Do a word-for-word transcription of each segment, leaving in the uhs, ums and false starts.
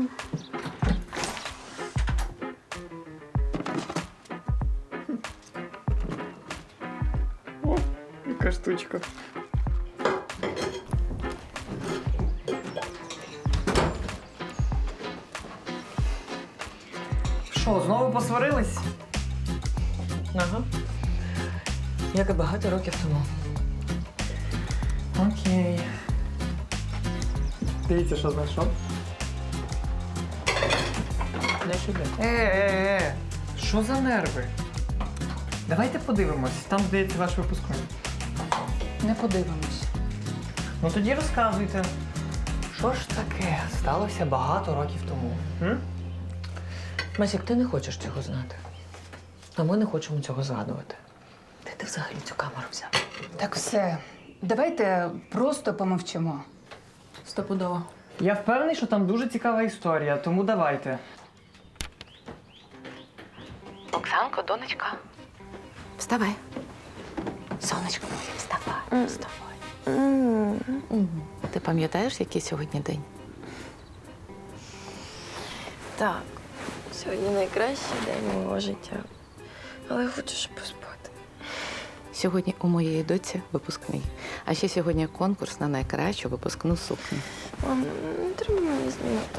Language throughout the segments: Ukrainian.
О, яка штучка. Що, знову посварились? Ага. Як і багато років тому. Окей. Дивіться, що знайшов. Не сюди. Е-е-е, що за нерви? Давайте подивимось, там, здається, ваш випускник. Не подивимось. Ну тоді розказуйте. Що ж таке сталося багато років тому? М? Масік, ти не хочеш цього знати. А ми не хочемо цього згадувати. Де ти взагалі цю камеру взяв? Так все. Давайте просто помовчимо. Стопудово. Я впевнений, що там дуже цікава історія, тому давайте. Оксанко, донечка. Вставай. Сонечко моє, вставай. Вставай. Ти пам'ятаєш, який сьогодні день? Так, сьогодні найкращий день мого життя. Але я хочу ще поспати. Сьогодні у моєї доці випускний. А ще сьогодні конкурс на найкращу випускну сукню. Мам, не треба мені знімати.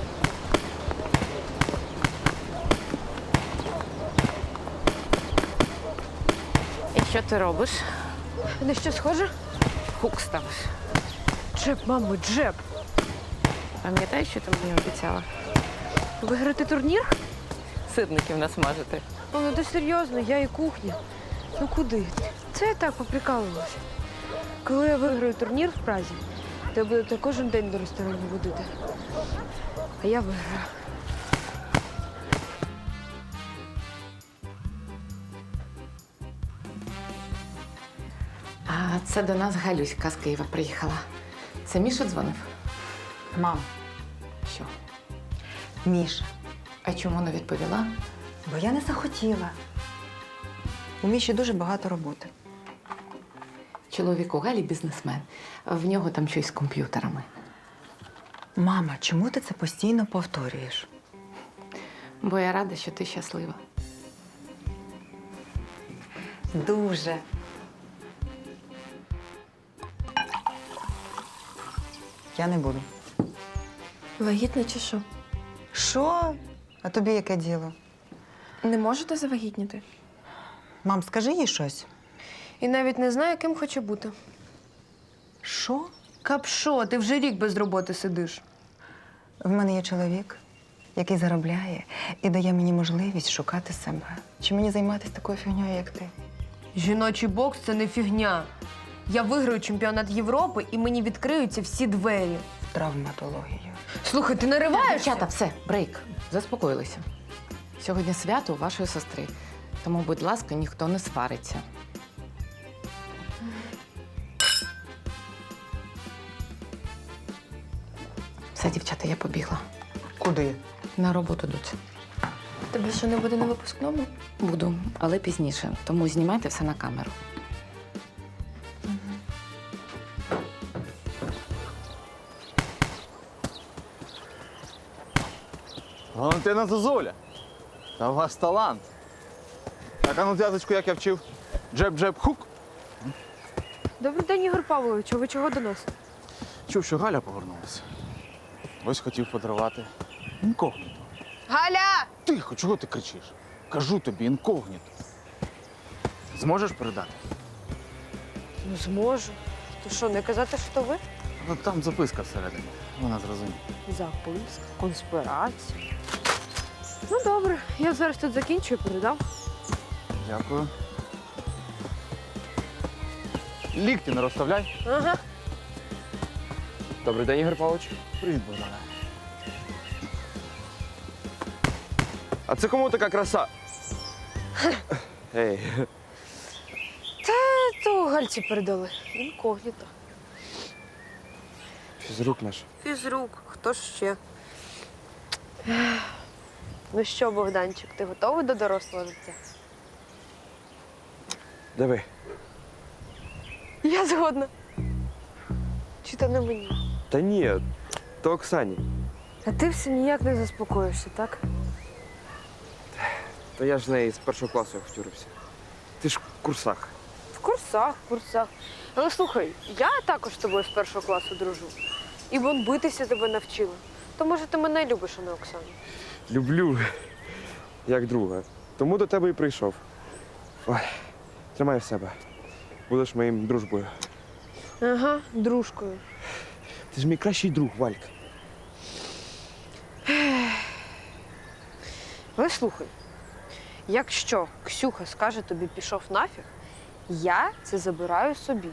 І що ти робиш? На що схоже? Хук ставиш. Джеб, мамо, джеб. Пам'ятаєш, що ти мені обіцяла? Виграти турнір? Сирників насмажити. О, ну ти серйозно, я і кухня. Ну куди? Це я так поприкалувалася. Коли я виграю турнір в Празі, то я буду тебе кожен день до ресторану водити. А я виграю. А це до нас Галюська з Києва приїхала. Це Міша дзвонив? Мам, Що? Міша, А чому не відповіла? бо я не захотіла. У Міші дуже багато роботи. Чоловік у Галі бізнесмен. В нього там щось з комп'ютерами. Мама, чому ти це постійно повторюєш? Бо я рада, що ти щаслива. Дуже. Я не буду. Вагітна чи що? Що? А тобі яке діло? Не можете завагітніти? Мам, скажи їй щось. І навіть не знаю, ким хочу бути. Що? Капшо, ти вже рік без роботи сидиш. В мене є чоловік, який заробляє і дає мені можливість шукати себе. Чи мені займатися такою фігньою, як ти? Жіночий бокс – це не фігня. Я виграю чемпіонат Європи і мені відкриються всі двері. Травматологію. Слухай, ти нариваєшся? Дівчата, все, брейк. Заспокоїлися. Сьогодні свято у вашої сестри. Тому, будь ласка, ніхто не свариться. Все, дівчата, я побігла. Куди? На роботу доці. Тебе що, не буде на випускному? Буду, але пізніше. Тому знімайте все на камеру. Валентина Зозуля, та у вас талант. Так, а ну зв'язочку, як я вчив. Джеб-джеб-хук. Добрий день, Ігор Павлович. Ви чого до нас? Чув, що Галя повернулася. Ось хотів подарувати інкогніто. Галя! Тихо, чого ти кричиш? Кажу тобі, інкогніто. Зможеш передати? Ну, зможу. То що, не казати, що ви? Ну, там записка всередині. Вона зрозуміє. Записка, конспірація. Ну, добре. Я зараз тут закінчу і передам. Дякую. Лікті не розставляй. Ага. Добрий день, Ігор Павлович. Привіт, Богдане. А це кому така краса? Ей, Та то Гальці передали. Інкогніто. фізрук наш. Фізрук. Хто ж ще? Ну що, Богданчик, ти готовий до дорослого життя? Диви. Я згодна. Чи то не мені? Та ні, то Оксані. А ти все ніяк не заспокоїшся, так? Та я ж з неї з першого класу як втюрився. Ти ж в курсах. В курсах, в курсах. Але слухай, я також з тобою з першого класу дружу. І вон битися тебе навчила. То може ти мене любиш, а не Оксану? Люблю, як друга. Тому до тебе і прийшов. Ой, тримай в себе. Будеш моїм дружбою. Ага, дружкою. Ти ж мій кращий друг, Валька. Але слухай, якщо Ксюха скаже тобі пішов нафіг, я це забираю собі.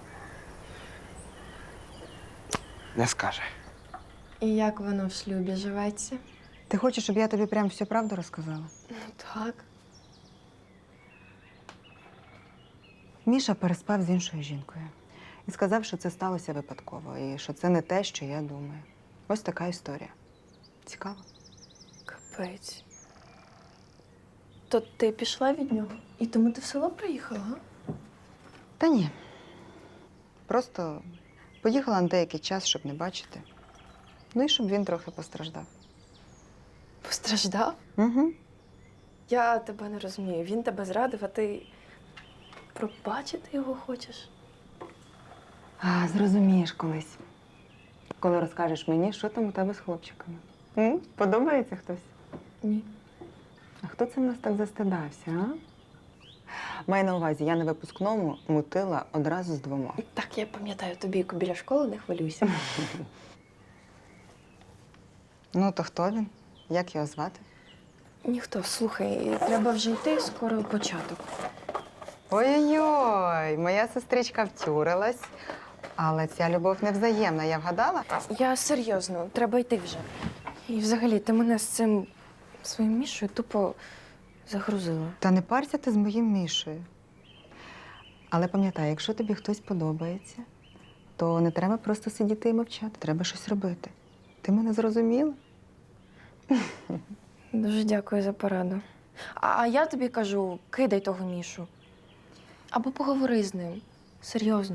Не скаже. І як воно в шлюбі живеться? Ти хочеш, щоб я тобі прям всю правду розказала? Так. Міша переспав з іншою жінкою і сказав, що це сталося випадково, і що це не те, що я думаю. Ось така історія. Цікаво? Капець. То ти пішла від нього? І тому ти в село приїхала, га? Та ні. Просто поїхала на деякий час, щоб не бачити. Ну і щоб він трохи постраждав. Постраждав? Угу. Я тебе не розумію. Він тебе зрадив, а ти пробачити його хочеш? А, зрозумієш колись. Коли розкажеш мені, що там у тебе з хлопчиками. М? Подобається хтось? Ні. А хто це в нас так застидався, а? Маю на увазі, я на випускному мутила одразу з двома. Так, я пам'ятаю, тобі біля школи не хвилюйся. Ну, то хто він? Як його звати? Ніхто, слухай, треба вже йти, скоро початок. Ой-ой-ой, моя сестричка втюрилась. Але ця любов невзаємна, я вгадала? Я серйозно, треба йти вже. І взагалі, ти мене з цим своїм Мішою тупо загрузила. Та не парся ти з моїм Мішею. Але пам'ятай, якщо тобі хтось подобається, то не треба просто сидіти і мовчати, треба щось робити. Ти мене зрозуміла? Дуже дякую за пораду. А, а я тобі кажу, кидай того Мішу. Або поговори з ним. Серйозно.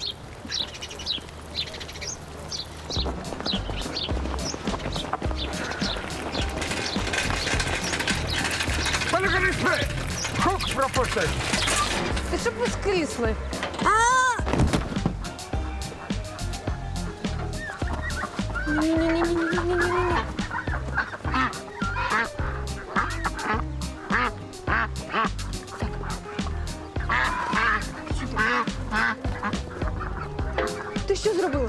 Ти щоб воскресли. Ні-ні-ні-ні-ні-ні-ні. Ти що зробила?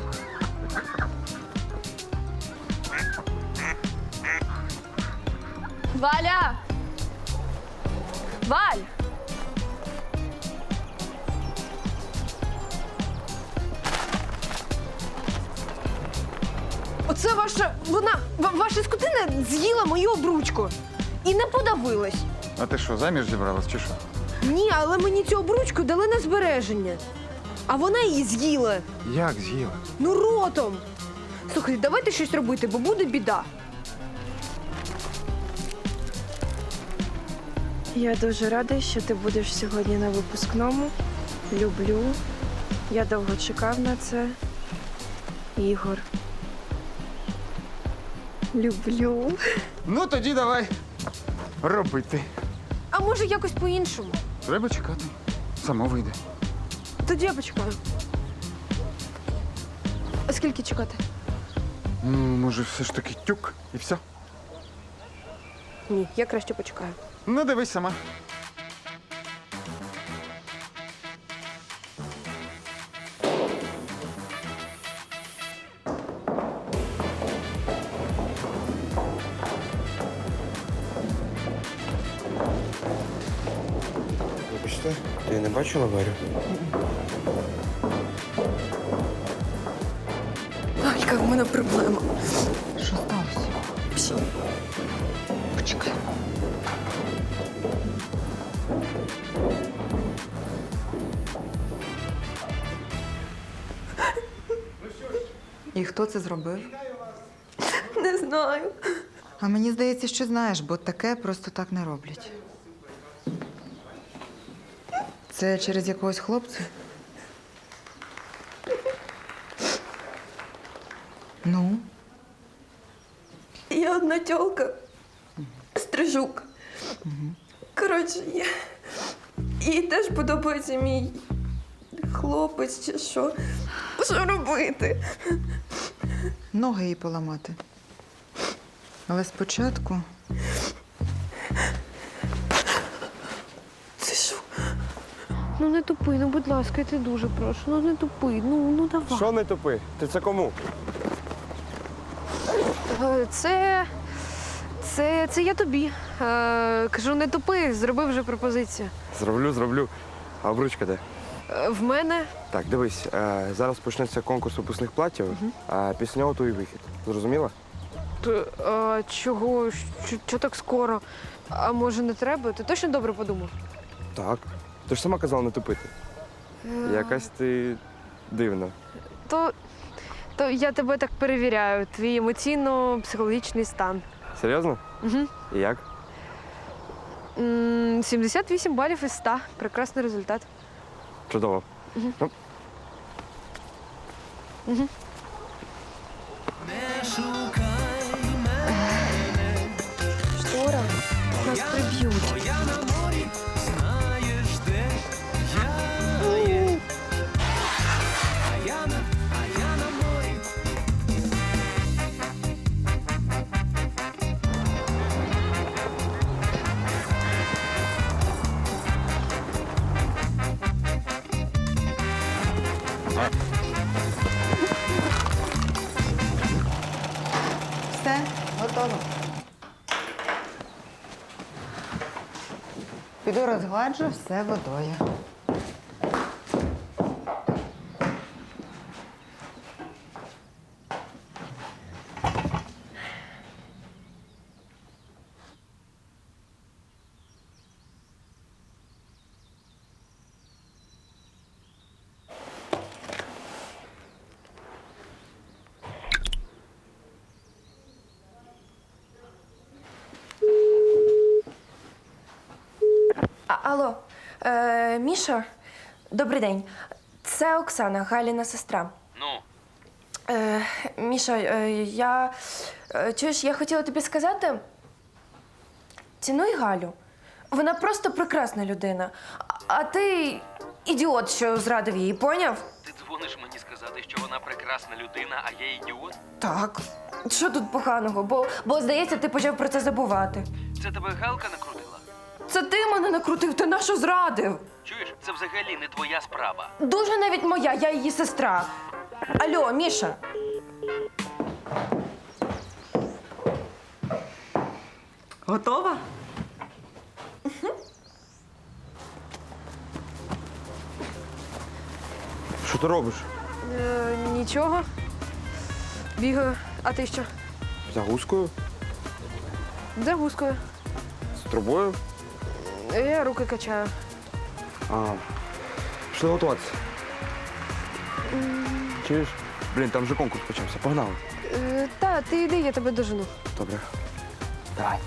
Валя! Валь! Оце ваша, вона, ва- ваша скотина з'їла мою обручку. І не подавилась. А ти що, заміж зібралась чи що? Ні, але мені цю обручку дали на збереження. А вона її з'їла. Як з'їла? Ну, ротом. Слухай, давайте щось робити, бо буде біда. Я дуже рада, що ти будеш сьогодні на випускному. Люблю. Я довго чекав на це. Ігор. Люблю. Ну тоді давай робити. А може якось по-іншому? Треба чекати. Само вийде. Тоді я почекаю. А скільки чекати? Ну, може, все ж таки тюк і все. Ні, я краще почекаю. Ну, дивись сама. Вибачте, ти не бачила Варю? Валька, в мене проблема. Що сталося? Псі. Почекай. І хто це зробив? Не знаю. А мені здається, що знаєш, бо таке просто так не роблять. Це через якогось хлопця? Ну? є одна тьолка. Стрижук. Коротше, я... їй теж подобається мій хлопець чи що. Що робити? Ноги їй поламати. Але спочатку Це що? Ну не тупи, ну будь ласка, я тебе дуже прошу. Ну не тупи, ну, ну давай. Що не тупи? Ти це кому? Е, Це. Це, це я тобі. Е, кажу, не тупи, зроби вже пропозицію. Зроблю, зроблю. А обручка де? Е, в мене. Так, дивись, е, зараз почнеться конкурс випускних платів, а після нього твій вихід. Зрозуміла? Т- а, чого? Що, що так скоро? А може не треба? Ти точно добре подумав? Так. Ти ж сама казала не тупити. Якась ти дивна. То, то я тебе так перевіряю, твій емоційно-психологічний стан. Серйозно? Угу. І як? М, сімдесят вісім балів із ста. Прекрасний результат. Чудово. Ну, Штора. Нас приб'ють. все готово. Піду розгладжу все водою. А, алло, е, Міша, добрий день. Це Оксана, Галіна сестра. Ну, Е, Міша, е, я. е, Чуєш, я хотіла тобі сказати. Цінуй Галю. Вона просто прекрасна людина. А, а ти ідіот, що зрадив її, поняв? ти дзвониш мені сказати, що вона прекрасна людина, а я ідіот? Так. Що тут поганого? Бо, бо здається, ти почав про це забувати. Це тебе Галка накрутила? Це ти мене накрутив, ти нашу зрадив. Чуєш, це взагалі не твоя справа. Дуже навіть моя, я її сестра. Алло, Міша. Готова? що ти робиш? Е, нічого. Бігаю. А ти що? За гускою? За гускою. З трубою? Я руки качаю. А. Пішли готуватися. Чуєш? Блін, там вже конкурс почався. Погнали. Е, та, ти йди, я тебе дожену. Добре. Давай.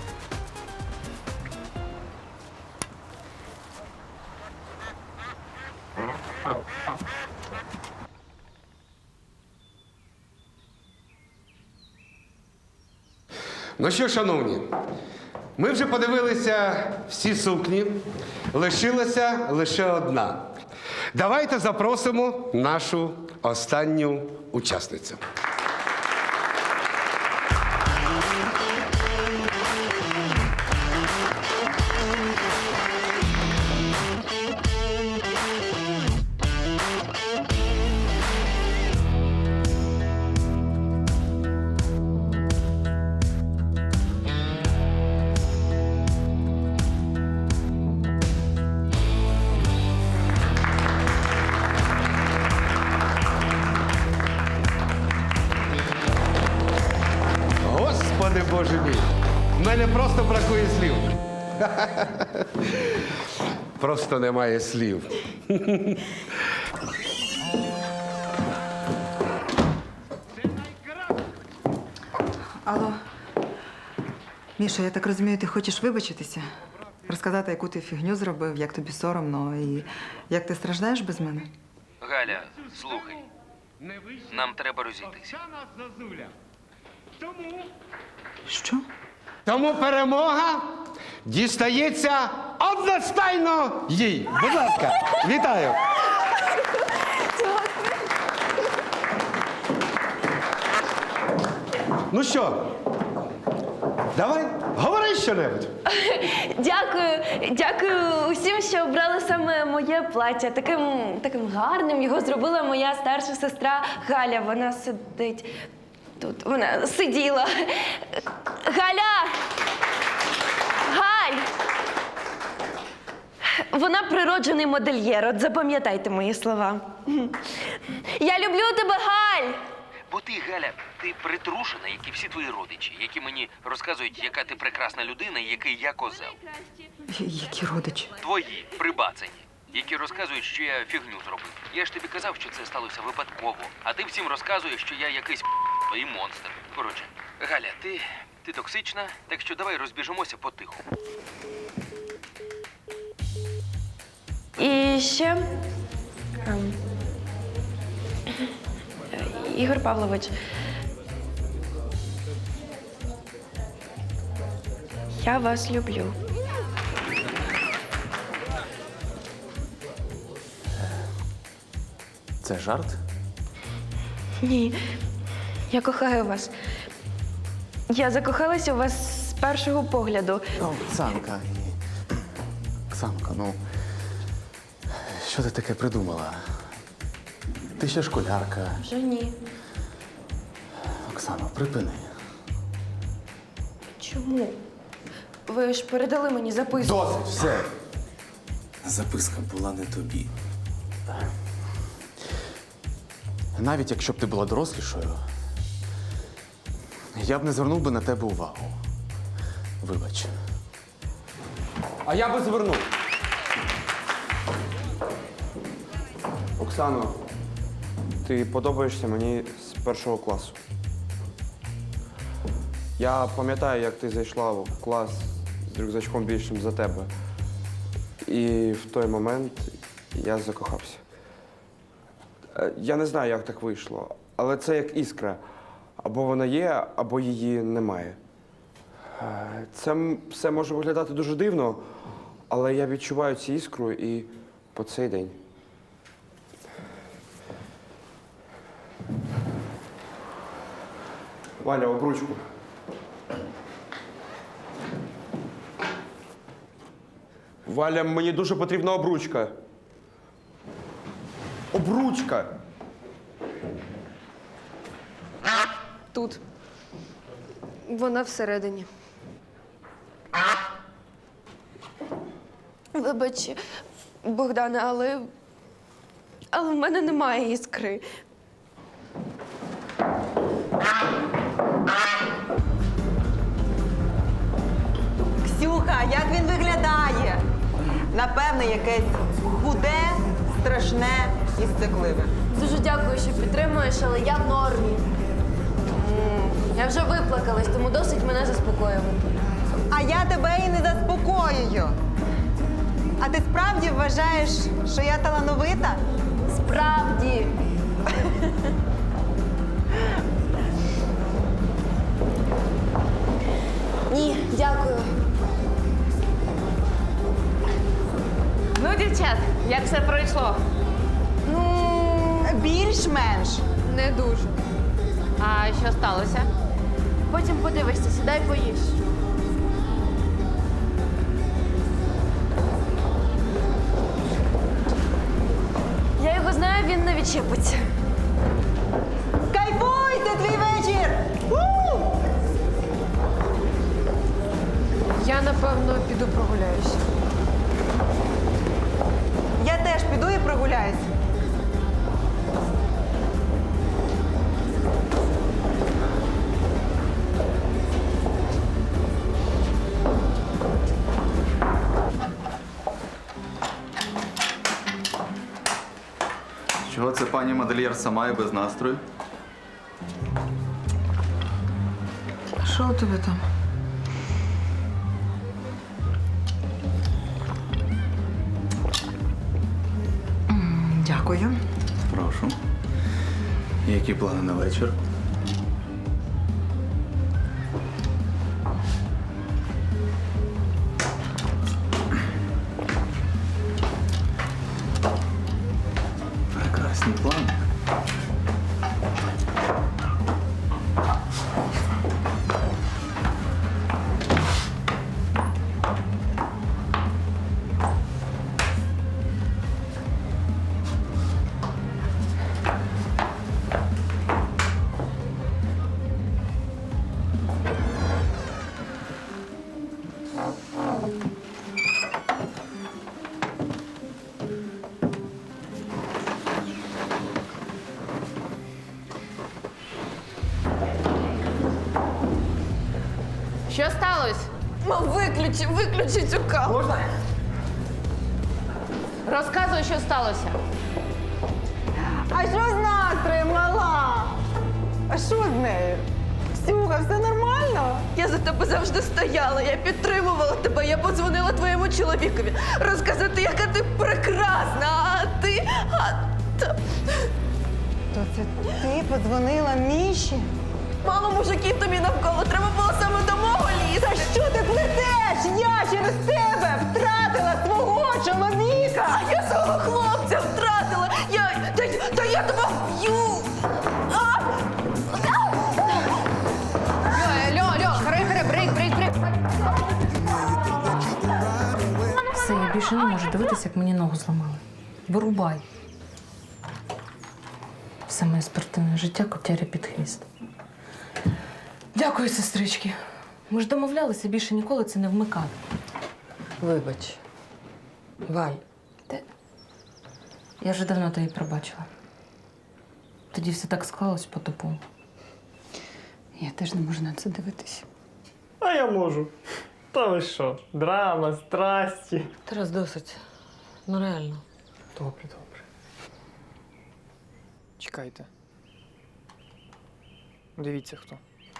Ну що, шановні, ми вже подивилися всі сукні, лишилася лише одна. Давайте запросимо нашу останню учасницю. Господи Боже мій, в мене просто бракує слів. Просто немає слів. Алло. Міша, я так розумію, ти хочеш вибачитися? Розказати, яку ти фігню зробив, як тобі соромно і як ти страждаєш без мене? Галя, слухай. Нам треба розійтися. Що? Тому перемога дістається одностайно їй. Будь ласка, вітаю. Ну що, давай, говори що-небудь. Дякую, дякую усім, що обрали саме моє плаття. Таким, таким гарним його зробила моя старша сестра Галя. Вона сидить тут. Вона сиділа. Галя! Галь! Вона природжений модельєр. От запам'ятайте мої слова. Я люблю тебе, Галь! Бо ти, Галя, ти притрушена, як і всі твої родичі, які мені розказують, яка ти прекрасна людина і який я козел. Які родичі? Твої, прибацані, які розказують, що я фігню зробив. Я ж тобі казав, що це сталося випадково, а ти всім розказуєш, що я якийсь і монстр. Коротше, Галя, ти, ти токсична, так що давай розбіжимося потиху. І ще. ем, Ігор Павлович. Я вас люблю. Це жарт? Ні. Я кохаю вас. Я закохалася у вас з першого погляду. Оксанка. Оксанка, ну. Що ти таке придумала? Ти ще школярка. Вже ні. Оксано, припини. Чому? Ви ж передали мені записку. Досить, все. Записка була не тобі. Навіть якщо б ти була дорослішою, я б не звернув би на тебе увагу. Вибач. А я би звернув. Оксано, ти подобаєшся мені з першого класу. Я пам'ятаю, як ти зайшла в клас з рюкзачком більшим за тебе. І в той момент я закохався. Е, Я не знаю, як так вийшло, але це як іскра. Або вона є, або її немає. Е, Це м- все може виглядати дуже дивно, але я відчуваю цю іскру і по цей день. Валя, обручку. Валя, мені дуже потрібна обручка. Обручка! Тут. Вона всередині. Вибач, Богдане, але. Але в мене немає іскри. Ксюха, як він виглядає? Напевне, якесь худе, страшне і стекливе. Дуже дякую, що підтримуєш, але я в нормі. М, Я вже виплакалась, тому досить мене заспокоювати. А я тебе і не заспокоюю. А ти справді вважаєш, що я талановита? Справді. Ні, дякую. Ну, дівчат, як все пройшло? Ну, більш-менш. Не дуже. А що сталося? Потім подивишся, сідай поїж. Я його знаю, він не відчепиться. Кайфуй, це твій вечір! У! Я, напевно, піду прогуляюся. Я теж піду і прогуляюсь. Чого це пані модельєр сама і без настрою? Що у тебе там? М, Дякую. Прошу. Які плани на вечір? Що сталося? Мам, виключи, виключи цю камеру. Можна? Розказуй, що сталося. А що з настроєм, мала? А що з нею? Ксюха, все нормально? Я за тебе завжди стояла, я підтримувала тебе, я подзвонила твоєму чоловікові розказати, яка ти прекрасна, а ти. А... та- То це ти подзвонила Міші? Мало мужиків тобі навколо, треба було саме до мого лізти. Та що ти плетеш? Я через тебе втратила свого чоловіка! Я свого хлопця втратила! Я. Та, та я тебе вб'ю! А! Льо, Льо, хри, хри, брейк, брейк, брейк. Все, я більше не можу дивитися, як мені ногу зламали. Вирубай. Все моє спортивне життя котяря під хвіст. Дякую, сестрички. Ми ж домовлялися більше ніколи це не вмикати. Вибач. Валь. Ти? Я вже давно тобі пробачила. Тоді все так склалось по-тупому. Я теж не можу на це дивитися. А я можу. Та ви що? Драма, страсті. Тарас, досить. Ну реально. Добре, добре. Чекайте. Дивіться хто.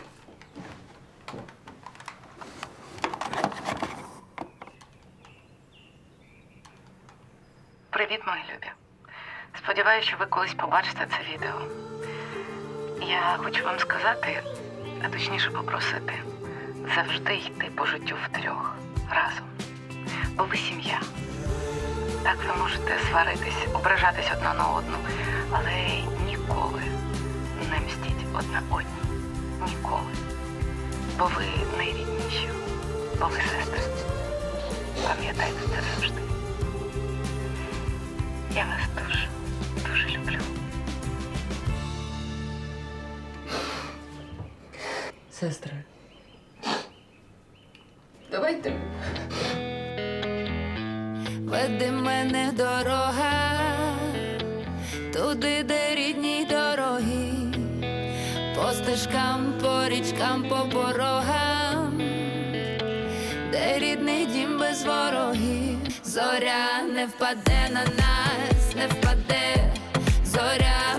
Привіт, мої любі. Сподіваюся, що ви колись побачите це відео. Я хочу вам сказати, а точніше попросити, завжди йти по життю втрьох разом. Бо ви сім'я. Так ви можете сваритись, ображатись одна на одну, але ніколи не мстіть одна одній. Ніколи. Бо ви найрідніші, бо ви сестри. Пам'ятайте це завжди. Я вас дуже, дуже люблю. Сестри. Давайте. Веди мене дорога, туди, де рідні дороги, по стежкам, по річкам, по порогам, де рідний дім без ворогів. Зоря не впаде на нас, не впаде, зоря